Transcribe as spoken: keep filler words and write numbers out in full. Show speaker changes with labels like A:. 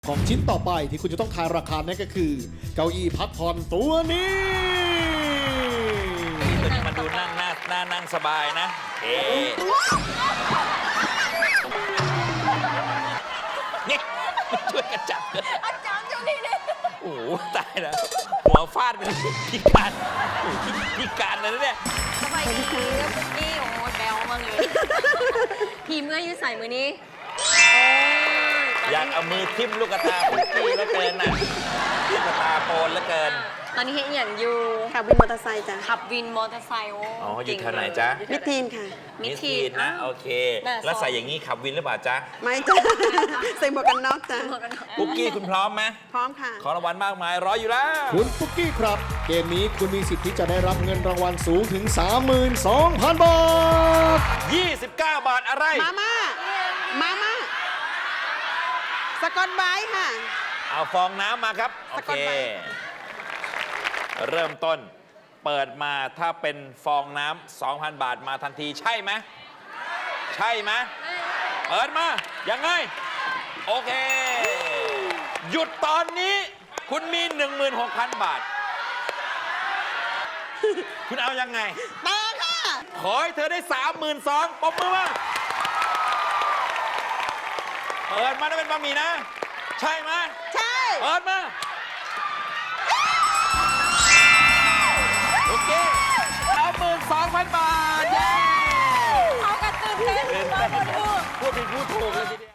A: ของชิ้นต่อไปที่คุณจะต้องทายราคานั่นก็คือ เก้าอี้พักผ่อนตัวนี้
B: ตัวนี้มันดูนั่งหน้าหน้านั่งสบายนะเอ๊นี่ช่วยกันจับเลย
C: อาจารย์เจ้านี่เนี่ย
B: โอ้โหตายแล้วหัวฟาดเป็นพิการโอ้โหพิการเลยนะเนี่ย
C: สบายดีปุ๊กกี้โอ้ยแบลมากเลยพีเมื่อยืดใส่มือนี้โอ้ย
B: อยากเอามือทิ่มลูกตาพุกกี้แล้วเกินน่ะลูกตาโปนแล้วเกิน
C: ตอนนี้เห็นอย่างอยู่
D: ขับวินมอเตอร์ไซค์จ้ะ
C: ขับวินมอเตอร์ไซค์โอ้
B: อ๋ออยู่แถวไหนจ๊ะ
D: มิดทีนค่ะ
C: มิ
B: มิ
C: ด
B: ด
C: ที
B: ที
C: น
B: นนะโอเค
C: น่า
B: แล้วใส่อย่างนี้ขับวินหรือเปล่าจ๊ะ
D: ไม่จ้ะ ใส่หมวกกันน็อกจ้ะ
B: พุกกี้คุณพร้อมไหม
D: พร้อมค่ะ
B: ของรางวัลมากมายรออยู่แล้ว
A: คุณปุ๊กกี้ครับ เกมนี้คุณมีสิทธิ์ที่จะได้รับเงินรางวัลสูงถึง สามหมื่นสองพัน บาท
B: ยี่สิบเก้า บาทอะไร
D: มาม่า มาม่า สกอตไบรท์ค่ะ
B: เอาฟองน้ำมาครับ โอ
D: ส
B: เค
D: กอตไบรท์
B: เริ่มต้นเปิดมาถ้าเป็นฟองน้ำ สองพัน บาทมาทันทีใช่ไหมใช่ไหมเปิดมายังไง โอเค หยุดตอนนี้คุณมี หนึ่งหมื่นหกพัน บาท คุณเอายังไง
D: ต่อค่ะ
B: ขอให้เธอได้ สามหมื่นสองพัน ปรบมือมาเปิดมาได้เป็นบะหมี่นะ ใช่ไหม
D: ใช่
B: เปิดมา โอเค สามหมื่นสองพัน บาท เย้
C: เขากระตือรือร้น
B: เป็น
C: มาหมดเลย
B: พูดผิดพูดถูกเลยทีเดียว